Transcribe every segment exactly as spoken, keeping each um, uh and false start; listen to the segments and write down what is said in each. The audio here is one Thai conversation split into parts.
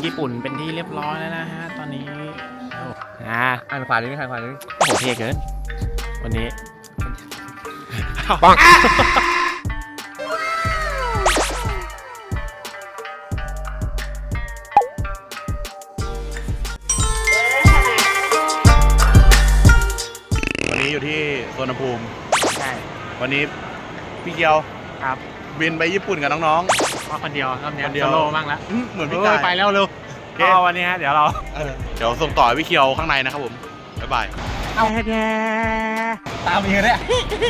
ญี่ปุ่นเป็นที่เรียบร้อยแล้วนะฮะตอนนี้อ่าอ่านขวานิดนึงอ่านขวานิดนึงโอ้โหเท่เกินวันนี้ปังวันนี้อยู่ที่สวนภูมิใช่วันนี้พี่เกียวครับบินไปญี่ปุ่นกับน้องมาคนเดียวรอบนี้คนเดียวโซโล่บ้างแล้วๆอื้อเหมือนพี่เอ้กาย ยไปแล้วเร็วโอเคก็วันนี้ฮะเดี๋ยวเราเออเดี๋ยวส่งต่อให้พี่เกียวข้างในนะครับผม บ๊ายบายเอาแกตามอีกเลย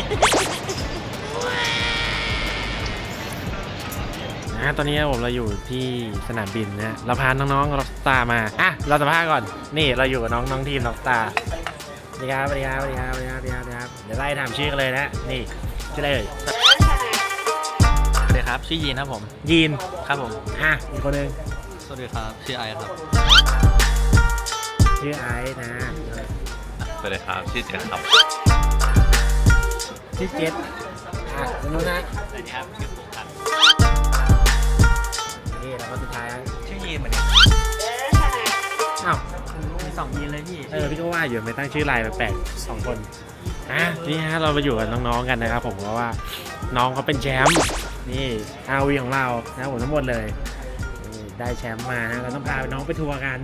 นะตอนนี้ผมเราอยู่ที่สนามบินนะเราพาน้องๆล็อกสตาร์มาอ่ะเราสัมภาษณ์ก่อนนี่เราอยู่กับน้องน้องทีมล็อกสตาร์สวัสดีครับสวัสดีครับสวัสดีครับสวัสดีครับสวัสดีครับสวัสดีครับเดี๋ยวไล่ถามชื่อกันเลยนะนี่ชื่ออะไรเอ่ยสวัสดีครับชื่อยีนครับผมยีนครับผมอ่ะอีกคนหนึงสวัสดีครับชื่อไอครับชื่อไอซ์นะสวัสดีครับชื่อเจนครับชื่อเจษอ่ะคุณนุ้นนะสวัสดีครับชื่อฟุกครับนี่แล้วก็สุดท้ายชื่อยีนเหมือนกันอ้าวมีสองยีนเลยพี่เออพี่ก็ว่าอยู่ไม่ตั้งชื่อไลน์แปลกๆสองคนอ่ะนี่ฮะเรามาอยู่กับน้องๆกันนะครับผมเพราะว่าน้องเขาเป็นแชมป์นี่ อาร์ วี ของเรานะผมทั้งหมดเลยนี่ได้แชมป์มานะเราต้องพาน้องไปทัวร์กัน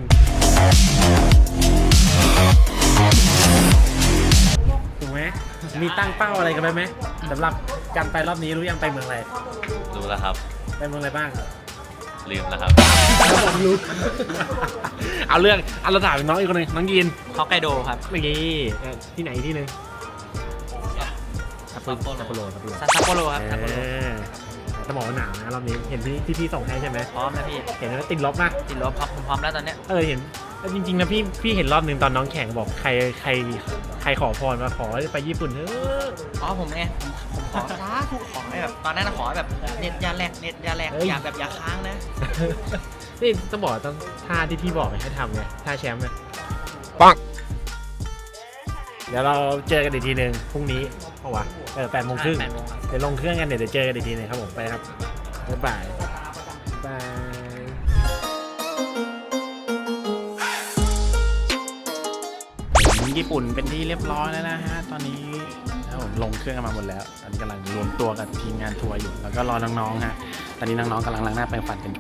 ถูกไหมมีตั้งเป้าอะไรกันไหมไหมสำหรับการไปรอบนี้รู้ยังไปเมืองอะไรรู้แล้วครับไปเมืองอะไรบ้างลืมแล้วครับแล้วผมรู้ เอาเรื่องเอาเราถามน้องอีกคนหนึงน้องยีนฮอกไกโดครับเมื่อกี้เอ่อที่ไหนที่หนึงซัปโปโรซัปโปโรซัปโปโรซัปโปโรครับซัปโปโรเออจะบอกว่าหนาวนะรอบนี้เห็นที่ที่พี่ส่งให้ใช่ไหมพร้อมนะพี่เห็นว่าติดลบมากติดลบครับผมพร้อมแล้วตอนเนี้ยเออเห็นแล้วจริงๆนะพี่พี่เห็นรอบหนึ่งตอนน้องแข่งบอกใครใครใครขอพรมาขอไปญี่ปุ่นเอออ๋อผมไงผมผมขอสาธุขอให้แบบตอนนั้นนะขอให้แบบเน็ตยาแรกเน็ตยาแรกอย่าแบบอย่าค้างนะนี่ต้องบอกต้องท่าที่พี่บอกให้ทำไงท่าแชมป์ไงปังเดี๋ยวเราเจอกันอีกทีหนึ่งพรุ่งนี้เพราะว่าเออแปดโมงครึ่งแปดโมงครับเดี๋ยวลงเครื่องกันเดี๋ยวเจอกันอีกทีหนึงครับผมไปครับบ๊ายบายบายญี่ปุ่นเป็นที่เรียบร้อยแล้วนะฮะตอนนี้แล้วผมลงเครื่องกันมาหมดแล้วตอนนี้กำลังรวมตัวกับทีมงานทัวร์อยู่แล้วก็รอน้องๆฮะตอนนี้น้องๆกำลังล้างหน้าแปรงฟันกันอยู่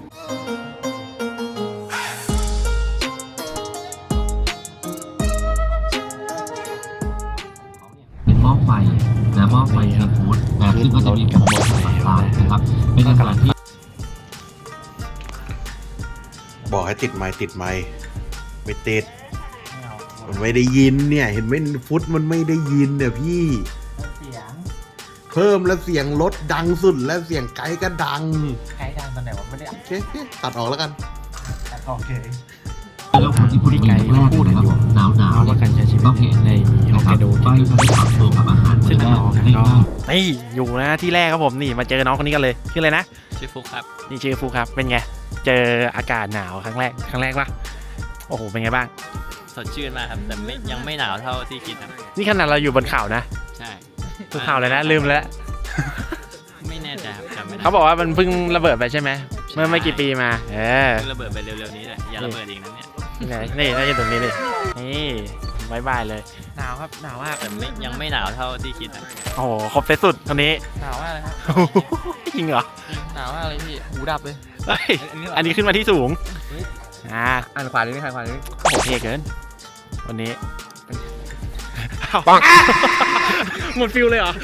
เป็นหม้อไฟนะหม้อไฟซีฟู้ดนะซึ่งก็จะมีโปรโมชั่นต่างๆนะครับเป็นอาหารที่บอกให้ติดไมค์ติดไมค์ไม่ติด มันไม่ได้ยินเนี่ย เห็นไหมฟุตมันไม่ได้ยินเนี่ยพี่เสียงเพิ่มแล้วเสียงลดดังสุดและเสียงไกด์ก็ดังใครดังตอนไหนวะไม่ได้โอเคโอเคตัดออกแล้วกันโอเคแล้วคนที่พูดแรกนะครับหนาวหนาวเอาว่าการใช้ชีวิตต้องเห็นในฮอกไกโดก็จะได้ปรับตัวกับอาหารซึ่งน้องๆง่ายก็นี่อยู่นะที่แรกครับผมนี่มาเจอน้องคนนี้กันเลยชื่ออะไรนะชื่อฟุกครับนี่ชื่อฟูครับเป็นไงเจออากาศหนาวครั้งแรกครั้งแรกปะโอ้โหเป็นไงบ้างสดชื่นมากครับแต่ไม่ยังไม่หนาวเท่าที่คิดครับนี่ขนาดเราอยู่บนเขานะใช่บนเขาเลยนะลืมแล้วไม่แน่ใจครับจำไม่ได้เขาบอกว่ามันเพิ่งระเบิดไปใช่ไหมเมื่อไม่กี่ปีมาเออเพิ่งระเบิดไปเร็วๆนี้แหละอย่าระเบิดอีกนะเนี่ยนี่ไงนี่น่าจะตรงนี้เลยนี่บายบายเลยหนาวครับหนาวมากแต่ไม่ยังไม่หนาวเท่าที่คิดนะโอ้โหครบเซตสุดตอนนี้หนาวมากเลยครับจริงเหรอหนาวมากเลยพี่หูดับเลยเฮ้ยอันนี้ขึ้นมาที่สูงอ่าอ่านขวานิดนึงอ่านขวานิดนึงโอ้โหเท่เกินวันนี้ปังหมดฟิลเลยเหรอ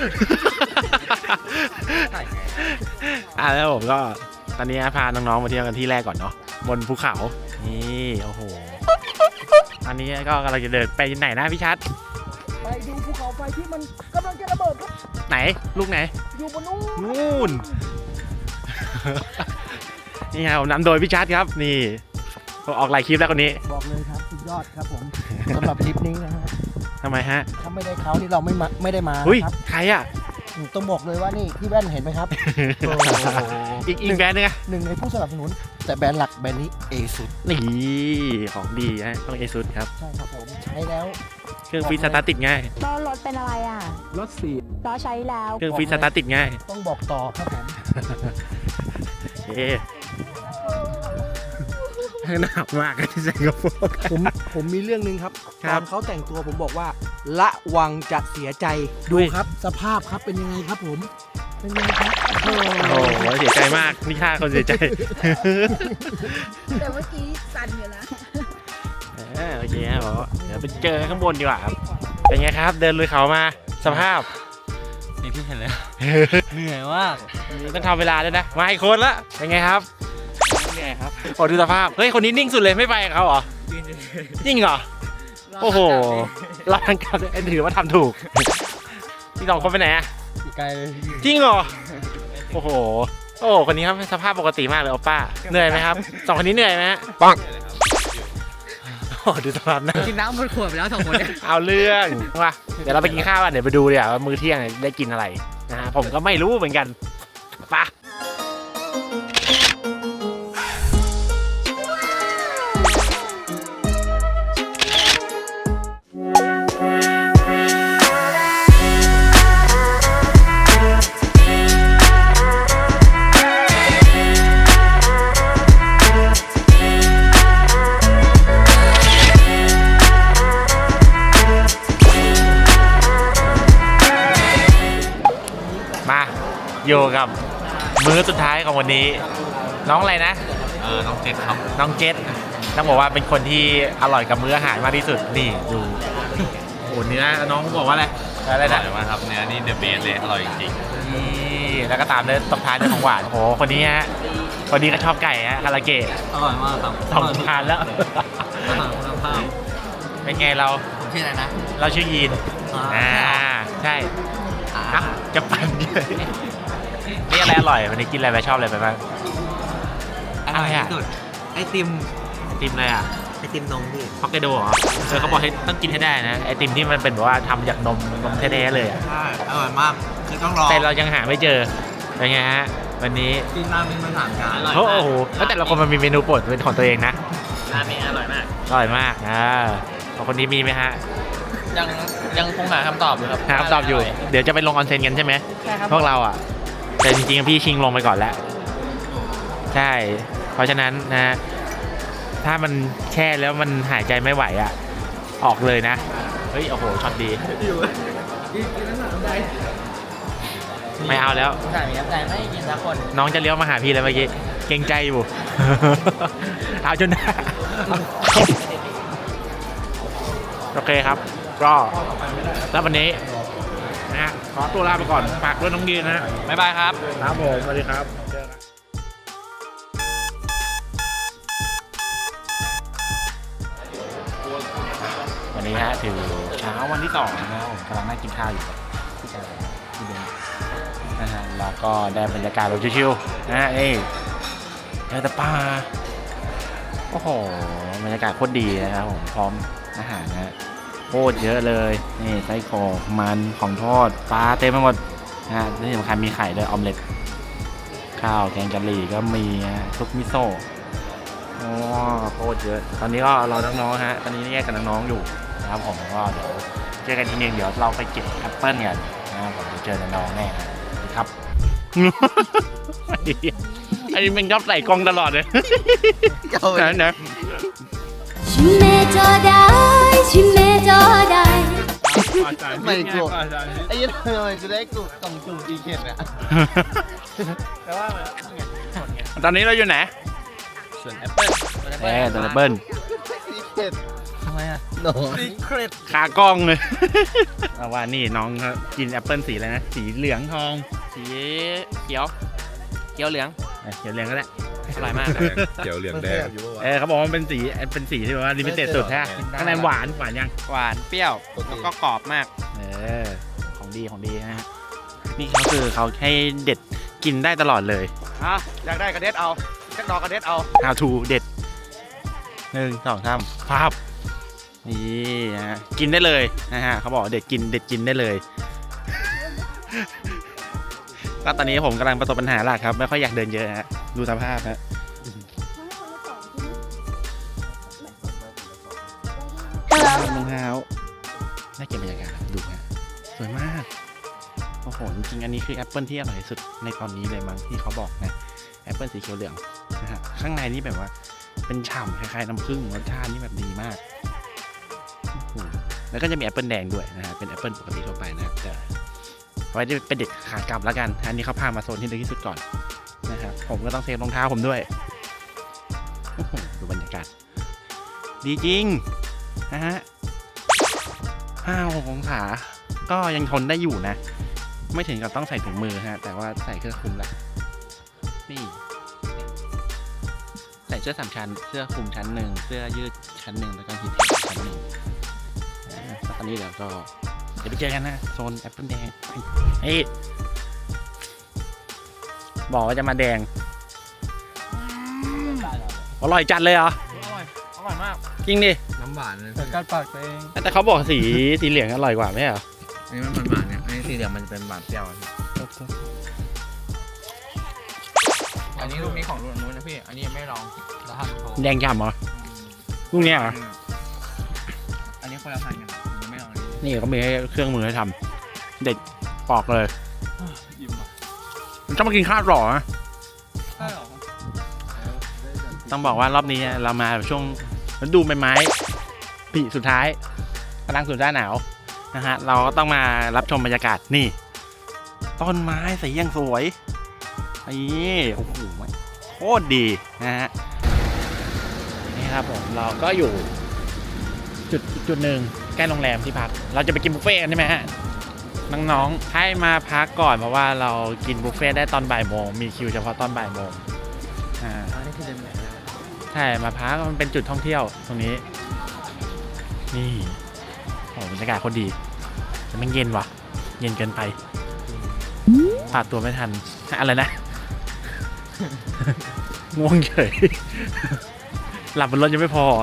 อ่ะแล้วผมก็ตอนนี้พาน้องๆมาเที่ยวกันที่แรกก่อนเนาะบนภูเขานี่โอ้โหอันนี้ก็กำลังจะเดินไปไหนนะพี่ชัดไปดูภูเขาไฟที่มันกำลังจะระเบิดครับไหนลูกไหนอยู่บนนู้นนู่น นี่ครับผมนำโดยพี่ชัดครับนี่ออกหลายคลิปแล้วคนนี้บอกเลยครับสุดยอดครับผมสำหรับทริปนี้นะฮะทำไมฮะถ้าไม่ได้เขานี่เราไม่มาไม่ได้มาอุ้ยนะครับใครอ่ะต้องบอกเลยว่านี่พี่แว่นเห็นไหมครับโอ้โหอีกอีกแบรนด์นึงอะหนึ่งในผู้สนับสนุน แต่แบรนด์หลักแบรนด์นี้เอสุดนี่ของดีฮะต้องเอซุดครับใช่ครับผมใช้แล้วเครื่องฟรีสตาร์ทติดง่ายล้อรถเป็นอะไรอ่ะรถสี่ล้อใช้แล้วเครื่องฟรีสตาร์ทติดง่ายต้องบอกต่อครับผมเอ๊หนาวมากที่สิงคโปร์ผมผมมีเรื่องหนึ่งครับครัตบอนเขาแต่งตัวผมบอกว่าละวังจะเสียใจดูอุ้ยครับ สภาพครับเป็นยังไงครับผม เป็นยังไงครับโอ้โหโอ้โหเสียใจมากนี่ค่าคนเสียใจแต่เมื่อกี้สั่นอยู่นะเออโอเคครับผมเดี๋ยวไปเจอข้างบนดีกว่าครับเป็นไงครับ เดินลุยเขามาสภาพนี่พี่เห็นแล้วเหนื่อยมากต้องทำเวลาด้วยนะมาอีกคนละเป็นไงครับเหนื่อยครับโอ้ดูสภาพเฮ้ยคนนี้นิ่งสุดเลยไม่ไปกับเขาเหรอจริงเหรอโอ้โหเราทางการถือว่าทำถูกที่สองคนไปไหนอะไกลเลยจริงเหรอโอ้โหโอ้โหคนนี้ครับสภาพปกติมากเลยโอป้าเหนื่อยไหมครับสองคนนี้เหนื่อยไหมฮะปังโอ้ดูสภาพนะกินน้ำหมดขวดไปแล้วสองคนเนี่ยเอาเรื่องว่ะเดี๋ยวเราไปกินข้าวกันเดี๋ยวไปดูเดี๋ยวว่ามื้อเที่ยงได้กินอะไรนะฮะผมก็ไม่รู้เหมือนกันไปะมาอยู่กับมื้อสุดท้ายของวันนี้ น้องอะไรนะเออน้องเจ็ดครับน้องเจษต้องบอกว่าเป็นคนที่อร่อยกับมื้ออาหารมากที่สุดนี่ดูโอ้โหเนื้อน้องบอกว่าอะไรอะไรนะอร่อยมากครับเนื้อนี่เดอะเบสเลยอร่อยจริงนี่แล้วก็ตามด้วยตบท้ายด้วยของหวานโอ้โหคนนี้ฮะคนนี้ก็ชอบไก่ฮะคาราเกะอร่อยมากครับสองทานแล้วอาหารคุณภาพเป็นไงเราผมชื่ออะไรนะเราชื่อยีนอ่าอ่าใช่อ่ะจะปั่นเยอะนี่อะไรอร่อยวันนี้กินอะไรไปชอบอะไรไปบ้างอร่อยที่สุดไอติมไอติมอะไรอ่ะไอติมนมพี่ฮอกไกโดเหรอเออเขาบอกให้ต้องกินให้ได้นะไอติมที่มันเป็นแบบว่าทำจากนมนมแท้ๆเลยอ่ะใช่อร่อยมากคือต้องรอแต่เรายังหาไม่เจอเป็นไงฮะวันนี้กินราเมงมาสามจานอร่อยโอ้โหแล้วแต่ละคนมันมีเมนูโปรดเป็นของตัวเองนะราเมงอร่อยมากอร่อยมากอ่าของคนนี้มีไหมฮะยังยังคงหาคำตอบอยู่ครับหาคำตอบอยู่ เดี๋ยวจะไปลงออนเซ็นกันใช่ไหมใช่ครับพวกเราอ่ะแต่จริงๆพี่ชิงลงไปก่อนแล้ว ใช่ เพราะฉะนั้นนะ ถ้ามันแช่แล้วมันหายใจไม่ไหวอ่ะ ออกเลยนะ เฮ้ย โอ้โหช็อตดี ไม่เอาแล้วสามีน้ำใจไม่กินสักคนน้องจะเลี้ยวมาหาพี่แล้วเมื่อกี้ เกรงใจอยู่ เอาจนได้ โอเคครับ ก็แล้ววันนี้นะฮะขอตัวลาไปก่อนฝากด้วยน้องยีนนะฮะบ๊ายบายครับครับผมสวัสดีครับเจอกันวันนี้ฮะถือเช้าวันที่สองนะครับผมกำลังนั่งกินข้าวอยู่กับพี่ชายพี่เบนนะฮะแล้วก็ได้บรรยากาศแบบชิวๆนะฮะเอ้ยเจอแต่ป่าโอ้โหบรรยากาศโคตรดีนะครับผมพร้อมอาหารนะฮะโคตรเยอะเลยนี่ไส้กรอกมันของทอดปลาเต็มไปหมดนะฮะที่สำคัญมีไข่ด้วยออมเล็ตข้าวแกงกะหรี่ก็มีฮะซุปมิโซะโอ้โคตรเยอะตอนนี้ก็รอน้องๆฮะตอนนี้แยกกับน้องๆอยู่นะครับผมก็เดี๋ยวเจอกันทีนึงเดี๋ยวเราไปเก็บแอปเปิ้ลกันนะครับผมเดี๋ยวเจอน้องๆแน่ครับ ไอ้มันชอบใส่กล้องตลอดเลยนะนะชิมเมจอได้ชิมเมจอได้ไม่กลัวไอ้ยันทำไมจะได้กลุ่มกล่องจุ่มจีเค็ดเนี่ยตอนนี้เราอยู่ไหนส่วนแอปเปิ้ลเอ๊ะตัวเบิ้ลจีเค็ดทำไมอ่ะโนซีเครตขากล้องเลย เอาว่านี่น้องเขากินแอปเปิ้ลสีอะไรนะ สีเหลืองทองสีเขียวเขียวเหลืองเอ้ยเขียวเหลืองก็ได้อร่อยมากเขียวเหลืองแดงเออเขาบอกว่ามันเป็นสีเป็นสีที่แบบว่าลิมิเต็ดสุดใช่ไหมข้างในหวานหวานยังหวานเปรี้ยวแล้วก็กรอบมากเออของดีของดีนะฮะนี่เขาคือเขาให้เด็ดกินได้ตลอดเลยอ่ะอยากได้กระเด็ดเอาจักดอกกระเด็ดเอา how to เด็ดหนึ่งสองสามภาพนี่นะฮะกินได้เลยนะฮะเขาบอกเด็ดกินเด็ดกินได้เลย ก็ตอนนี้ผมกำลังประสบปัญหาหลักครับไม่ค่อยอยากเดินเยอะฮะดูสภาพฮะรองเท้าน่าเก็บบรรยากาศครับดูฮะสวยมากโอ้โหจริงๆอันนี้คือแอปเปิลที่อร่อยที่สุดในตอนนี้เลยมั้งที่เขาบอกนะแอปเปิลสีเขียวเหลืองนะฮะข้างในนี่แบบว่าเป็นเป็นฉ่ำคล้ายๆน้ำผึ้งรสชาตินี่แบบดีมากอืมแล้วก็จะมีแอปเปิลแดงด้วยนะฮะเป็นแอปเปิลปกติทั่วไปนะแต่ไว้เป็นเด็กขากลับแล้วกันอันนี้เขาพามาโซนที่ลึกที่สุดก่อนนะครับผมก็ต้องเซฟรองเท้าผมด้วยโอ้โหดูบรรยากาศดีจริงนะฮะห้าหกองศาก็ยังทนได้อยู่นะ ไม่ถึงกับต้องใส่ถุงมือฮะแต่ว่าใส่เครื่องคลุมละนี่ใส่เสื้อสามชั้นเสื้อคลุมชั้นหนึ่งเสื้อยืดชั้นหนึ่งแล้วก็ฮีทเทคชั้นหนึ่งอ่าตอนนี้เดี๋ยวก็เดี๋ยวไปเจอกันนะโซนแอปเปิลแดงเฮ้ยบอกว่าจะมาแดงอร่อยจัดเลยเหรออร่อยอร่อยมากจริงดิน้ำหวานเลยกัดปากเองแต่เขาบอกสีสีเหลืองอร่อยกว่าไม่ใช่เหรออันนี้มันหวานเนี่ยอันนี้สีเหลืองมันจะเป็นหวานเปรี้ยวอันนี้ลูกนี้ของลูกนู้นนะพี่อันนี้ยังไม่ลองแล้วทำแดงฉ่ำเหรอลูกเนี้ยเหรออันนี้คนละพันกันยังไม่ลองอันนี้นี่เขามีให้เครื่องมือให้ทำเด็ดปอกเลยมันต้องมากินข้าวต่อนะใช่หรอต้องบอกว่ารอบนี้เรามาช่วงฤดูใบไม้ผลิสุดท้ายกำลังสู่หน้าหนาวนะฮะเราก็ต้องมารับชมบรรยากาศนี่ต้นไม้สียังสวยนี่โอ้โหโคตรดีนะฮะนี่ครับผมเราก็อยู่จุดจุดหนึ่งใกล้โรงแรมที่พักเราจะไปกินบุฟเฟ่ต์กันใช่ไหมฮะน้องๆให้มาพักก่อนเพราะว่าเรากินบุฟเฟ่ต์ได้ตอนบ่ายโมงมีคิวเฉพาะตอนบ่ายโมงอ่าอันนี้คือเดินไหนใช่มาพักมันเป็นจุดท่องเที่ยวตรงนี้นี่โอ้บรรยากาศโคตรดีแต่มันเย็นว่ะเย็นเกินไปปาดตัวไม่ทันอะไรนะ ง่วงเฉย หลับบนรถยังไม่พอ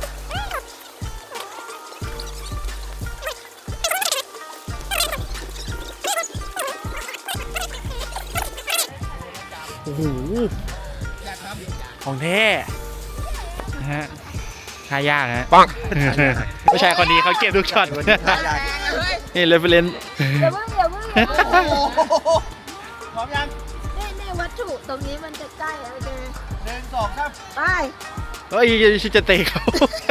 โอ้โหของแท้นะฮะทายากฮะปังผู้ชายคนนี้เขาเก็บทุกช็อตนี่เรฟเฟรนซ์อย่าเพิ่งอย่าเพิ่งอย่าเพิ่งพร้อมยังนี่นี่วัตถุตรงนี้มันจะใกล้โอเคหนึ่งสองสามไปเฮ้ยชิจะเตะเขา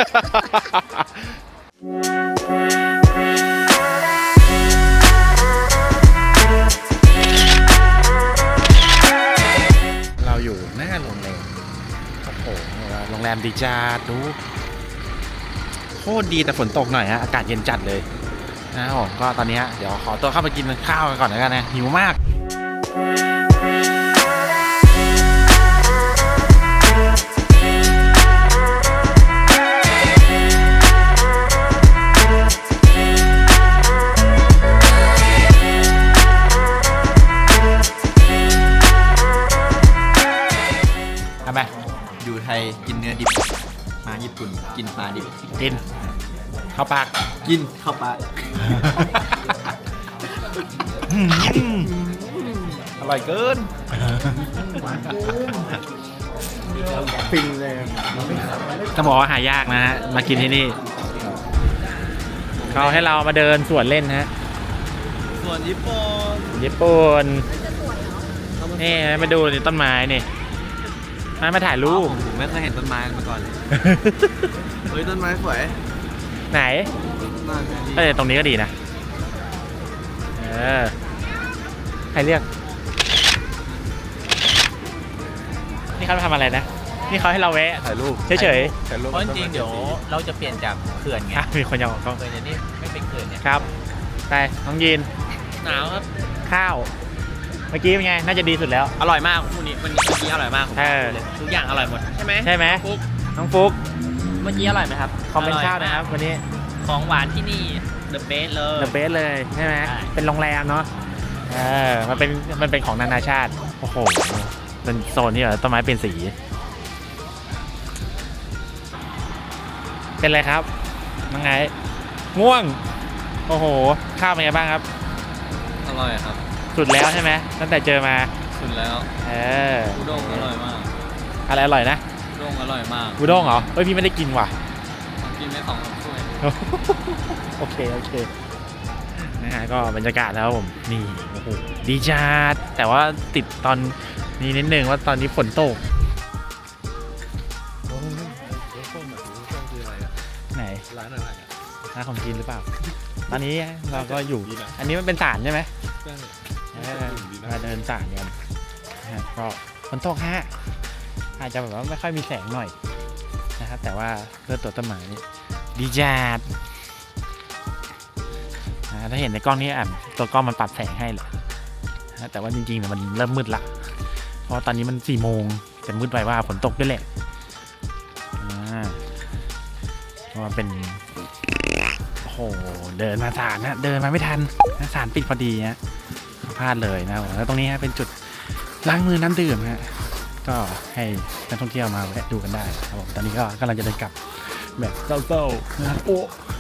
เราอยู่หน้าโรงแรมโอ้โหโรงแรมดีจัดดูโคตรดีแต่ฝนตกหน่อยฮะอากาศเย็นจัดเลยนะครับผมก็ตอนนี้เดี๋ยวขอตัวเข้าไปกินข้าวกันก่อนแล้วกันนะหิวมากทำไมอยู่ไทยกินเนื้อดิบมาญี่ปุ่นกินปลาดิบกินเข้าปากกินเข้าปลาอร่อยเกินฟินเลยจะบอกว่าหายากนะฮะมากินที่นี่เขาให้เรามาเดินสวนเล่นฮะส่วนญี่ปุ่นญี่ปุ่นนี่มาดูนี่ต้นไม้นี่มามาถ่ายรูปผมไม่เคยเห็นต้นไม้มาก่อนเลยเฮ้ยต้นไม้สวยไหนเออตรงนี้ก็ดีนะเออใครเรียกนี่เขาทำอะไรนะนี่เขาให้เราแวะถ่ายรูปเฉยๆเพราะจริงๆเดี๋ยวเราจะเปลี่ยนจากเขื่อนไงอ่ะมีคนอยากออกกล้องเขื่อนเดี๋ยวนี้ไม่เป็นเขื่อนเนี่ยครับไปน้องยีนหนาวครับข้าวเมื่อกี้เป็นไงน่าจะดีสุดแล้วอร่อยมากวันนี้วันนี้เมื่อกี้อร่อยมากเออทุกอย่างอร่อยหมดใช่ไหมใช่ไหมฟุกน้องฟุ๊กเมื่อกี้อร่อยไหมครับคอมเมนต์ข้าวนะครับวันนี้ของหวานที่นี่เดอะเบสเลยเดอะเบสเลยใช่ไหมใช่เป็นโรงแรมเนาะเออมันเป็นมันเป็นของนานาชาติโอ้โหเป็นโซนที่แบบต้นไม้เป็นสีเป็นไรครับน้องไงง่วงโอ้โหข้าวเป็นไงบ้างครับอร่อยครับสุดแล้วใช่ไหมตั้งแต่เจอมาสุดแล้วเอออุด้งอร่อยมากอะไรอร่อยนะอุด้งอร่อยมากอุด้งเหรอเฮ้ยพี่ไม่ได้กินว่ะกินไม่สองถ้วยโอเคโอเคนะฮะก็บรรยากาศแล้วผมนี่โอ้โหดีจัดแต่ว่าติดตอนนี้นิดนึงว่าตอนนี้ฝนตกาของกินหรือเปล่า ตอนนี้เราก็อยู่ อันนี้มันเป็นศาลใช่ไหมเออมาเดินศาลกันนะก็ฝนตกฮะอาจจะแบบว่าไม่ค่อยมีแสงหน่อยนะครับแต่ว่าเพื่อตัวต้นไม้นี่ดีจัดนะถ้าเห็นในกล้องนี้อ่ะตัวกล้องมันปรับแสงให้เลยนะแต่ว่าจริงๆเนี่ยมันเริ่มมืดละเพราะตอนนี้มันสี่โมงแต่มืดไปว่าฝนตกด้วยแหละอ่าเพราะมันเป็นโอ้โหเดินมาศาลนะเดินมาไม่ทันศาลปิดพอดีฮะพลาดเลยนะแล้วตรงนี้ฮะเป็นจุดล้างมือน้ำดื่มฮะก็ให้นักท่องเที่ยวมาแวะดูกันได้ครับผมตอนนี้ก็กำลังจะเดินกลับแบบเศร้าๆนะครับโอ้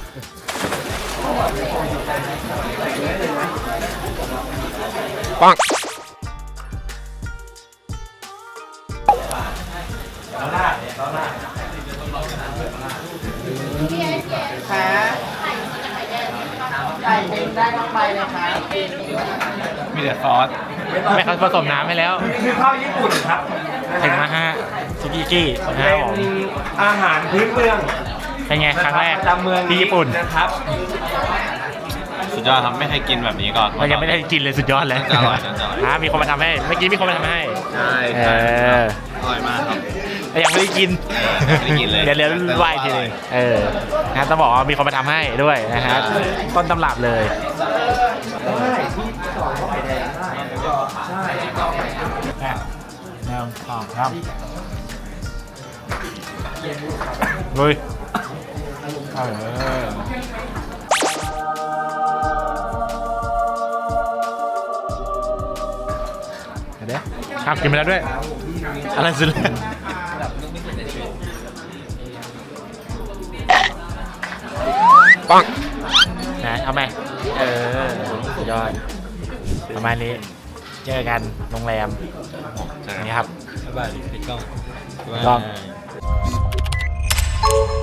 ปังมีแต่ซอสไม่เขาผสมน้ำให้แล้วคือข้าวญี่ปุ่นครับถึงนะฮะซุกิกี้นะครับผมอาหารพื้นเมืองเป็นไงครั้งแรกประจำเมืองที่ญี่ปุ่นนะครับสุดยอดครับไม่เคยกินแบบนี้ก่อนเรายังไม่ได้กินเลยสุดยอดเลยน่าจะอร่อยน่าจะอร่อยอ่ะมีคนมาทำให้เมื่อกี้มีคนมาทำให้ใช่เอใช่ออร่อยมากครับแต่ยังไม่ได้กินไม่ได้กินเลยเดี๋ยวเดี๋ยวไหวทีนึงเออนะต้องบอกว่ามีคนมาทำให้ด้วยนะฮะต้นตำรับเลยแนวต่อครับลุยเออเดี๋ยวครับกินไปแล้วด้วย อะไรสุดเลยปังนะเอาไหมเออยอดประมาณนี้เจอกันโรงแรมนี่ครับบ๊ายบายพี่ก้องลอง